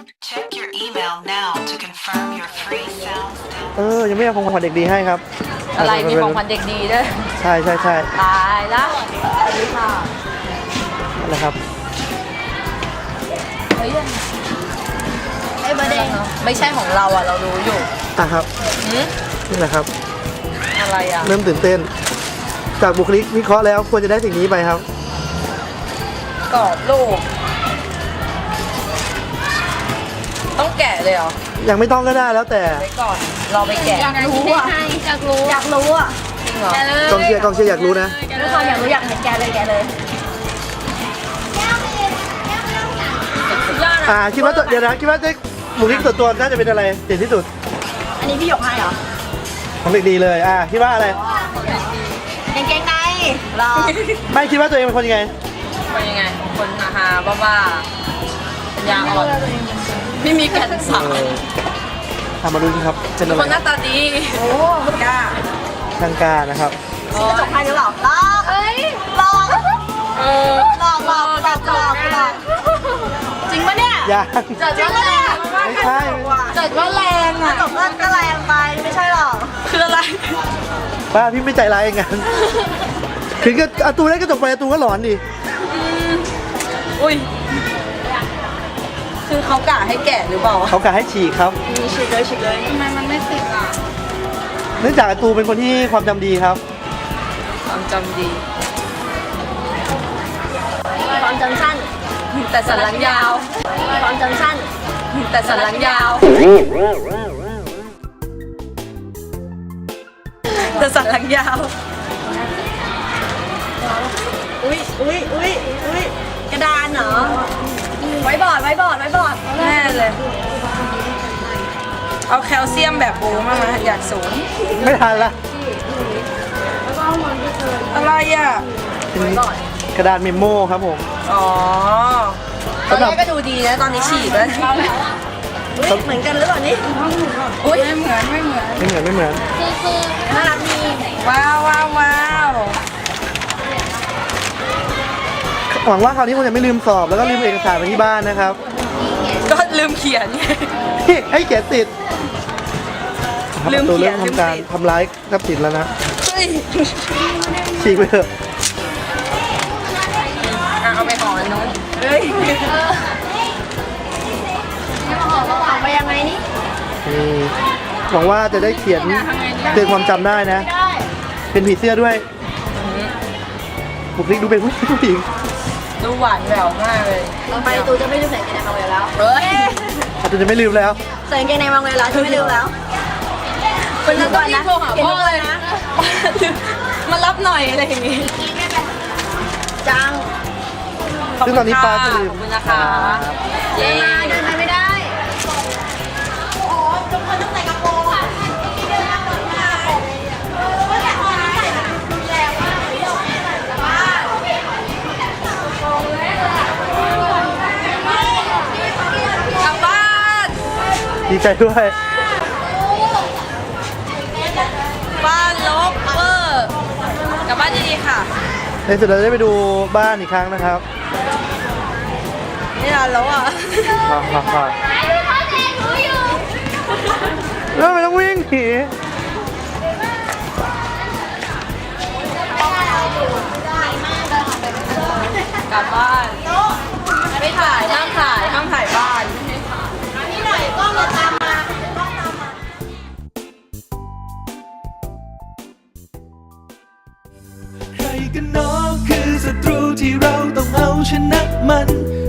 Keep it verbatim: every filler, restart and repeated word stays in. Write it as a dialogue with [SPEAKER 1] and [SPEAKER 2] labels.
[SPEAKER 1] Check your email now to confirm your free sound
[SPEAKER 2] เออยังไม่เอาของขวัญเด็กดีให้ครับ
[SPEAKER 3] อะไรมีของขวัญเด็กดีด้วย
[SPEAKER 2] ใช่ใช่ใช่
[SPEAKER 3] ตายละสวัสดีค่ะ
[SPEAKER 2] อะไรครับ
[SPEAKER 3] เฮ้ยไอ้ประเด็นไม่ใช่ของเราอ่ะเรารู้อยู่
[SPEAKER 2] อ่ะครับ
[SPEAKER 3] หืม
[SPEAKER 2] นี่แหละครับ
[SPEAKER 3] อะไรอ่ะ
[SPEAKER 2] เริ่มตื่นเต้น จากบุคลิกวิเคราะห์แล้วควรจะได้สิ่งนี้ไปครับ
[SPEAKER 3] กรอบรูปต้องแกะเลยเหรอ
[SPEAKER 2] ยังไม่ต้องก็ได้แล้วแต่
[SPEAKER 3] ไว้ก่อนเราไปแกะ
[SPEAKER 4] อยากรู้อ่ะอยากรู้อยากรู้อ่ะ
[SPEAKER 3] จริงเหรอ
[SPEAKER 4] แกเลย
[SPEAKER 2] กองเชียร์กองเชียร์อยากรู้นะ
[SPEAKER 4] ด้วยความอยากรู้อยากเห็นแกเลยแกเลยสุดยอด
[SPEAKER 2] อ่าคิดว่าตัวเดี๋ยวนะคิดว่าได้บุคลิกส่วนตัวน่าจะเป็นอะไรเด่นที่สุด
[SPEAKER 4] อันนี้พี่หยกให้เหรอ
[SPEAKER 2] ของเด็กดีเลยอ่าคิดว่าอะไร
[SPEAKER 4] กางเกงในรอ
[SPEAKER 2] ไม่คิดว่าตัวเองเป็นคนยังไง
[SPEAKER 3] เป็นยังไง คนฮาฮาบ้าๆปัญญาอ่อนไม่มีแก่นสาร
[SPEAKER 2] เออทำมาดูสิครับเป็นอะไร
[SPEAKER 3] คนหน้าตาดี
[SPEAKER 4] โอ้กล้า
[SPEAKER 2] ทางการนะครับ
[SPEAKER 4] กระจกให้หรือเปล่าลอกเอ้ยลอก
[SPEAKER 3] เออ
[SPEAKER 4] ลอกลอกลอกลอกลอกจริงปะเนี่ย
[SPEAKER 2] ยัง
[SPEAKER 4] จริงปะเนี่ย
[SPEAKER 2] ไม่ใช่
[SPEAKER 4] จดว่าแรงอ่ะจดว่าก็แรงไปไม่ใช่หรอ
[SPEAKER 3] คืออะไร
[SPEAKER 2] ป้าพี่ไม่ใจร้ายอย่างนั้นถึงกับอาตูได้กระจกไปอาตูก็หลอนดิ
[SPEAKER 3] อุ้ยคือเขากะให้แกะหรือเปล่า
[SPEAKER 2] เขากะให้ฉีกครับ
[SPEAKER 4] มีฉีกเลยฉีกเลยทำไมมันไม่ติดอ่ะ
[SPEAKER 2] เนื่องจากอาตูเป็นคนที่ความจำดีครับ
[SPEAKER 3] ความจำดี
[SPEAKER 4] ความจำสั้น
[SPEAKER 3] แต่สันหลังยาว
[SPEAKER 4] ความจำสั้น
[SPEAKER 3] แต่สันหลังยาว แต่สันหลังยาว
[SPEAKER 4] อุ้ยอุ้ยอุ้ยอุ้ยกระดานเหรอไว้บอร์ดไว้บอร์ดไว้บอร์ด
[SPEAKER 3] แน่เลย เอาแคลเซียมแบบโบมามาอยากสูง
[SPEAKER 2] ไม่ทันละ
[SPEAKER 3] อะไรอ่ะ
[SPEAKER 2] เป็นกระดานเมมโมครับผม
[SPEAKER 3] อ๋อตอนแรกก็ดูดีนะตอนนี้ฉีกแล้ว
[SPEAKER 4] อุ้ยเหมือนกันหรือเปล่านี่
[SPEAKER 3] อุ้ยไม่เหมือนไม่เหมือน
[SPEAKER 2] ไม่เหมือนไม่เหมือน
[SPEAKER 4] น่ารักดี
[SPEAKER 3] ว้าวว้าวว้าว
[SPEAKER 2] หวังว่าคราวนี้คงจะไม่ลืมสอบแล้วก็ลืมเอกสารไปที่บ้านนะครับ
[SPEAKER 3] ก็ลืมเขียนไง
[SPEAKER 2] ให้เขียนติดครับ
[SPEAKER 3] ลืม
[SPEAKER 2] อาตู
[SPEAKER 3] เขี
[SPEAKER 2] เริ่
[SPEAKER 3] ยน
[SPEAKER 2] ม
[SPEAKER 3] ลืม
[SPEAKER 2] ทำการ
[SPEAKER 3] ติด
[SPEAKER 2] ทำร้ายทรัพย์สินแล้วนะ
[SPEAKER 3] เฮ้ย
[SPEAKER 2] ฉีกไปเถอะ
[SPEAKER 3] อ่ะเอาไปห่ออันนู้น
[SPEAKER 4] เฮ้ยเอาไปยังไงนี่
[SPEAKER 2] อืมหวังว่าจะได้เขียนเตือนความจำได้นะ
[SPEAKER 4] ได้
[SPEAKER 2] เป็นผีเสื้อด้วยบุคลิกดูเป็นผู้หญิง
[SPEAKER 3] ดูหวานแหววมากเลย
[SPEAKER 4] ต่อไปตูจะไม่ลืมใส่กางเกงในมาเวลแล้ว
[SPEAKER 3] เฮ้ย
[SPEAKER 2] อาตูจะไม่ลืมแล้ว
[SPEAKER 4] ใส่กางเกงในมาเวลแล้วจะไม่ลืมแล้ว
[SPEAKER 3] เป็นตอนที่โทรหาพ่อเลยนะ มารับหน่อยอะไรอย่างงี้
[SPEAKER 4] จัง
[SPEAKER 2] ซึ่งตอนนี้ปลาจะลืม
[SPEAKER 3] ขอบคุณนะคะเย้
[SPEAKER 4] มาเดินไปไม่ได้โอ้ทุกคนต้องใส่กระโปรงอ่ะ
[SPEAKER 3] กลับบ้าน
[SPEAKER 2] ดีใจด้วย
[SPEAKER 3] บ้านลบเวอร์กลับบ้านดีๆค่ะ
[SPEAKER 2] ในสุดเราจะได้ไปดูบ้านอีกครั้งนะครับ
[SPEAKER 3] ไม่นานแล้วอ่ะ
[SPEAKER 2] ฮ่าฮ่าฮ่าแล้วไม่ต้องวิ่งหนี
[SPEAKER 3] กลับบ้านไม่ถ่ายห้ามถ่ายห้ามถ่ายบ้าน
[SPEAKER 4] นี่หน่อยก็มาตามมา
[SPEAKER 5] ใครกันหนอคือศัตรูที่เราต้องเอาชนะมัน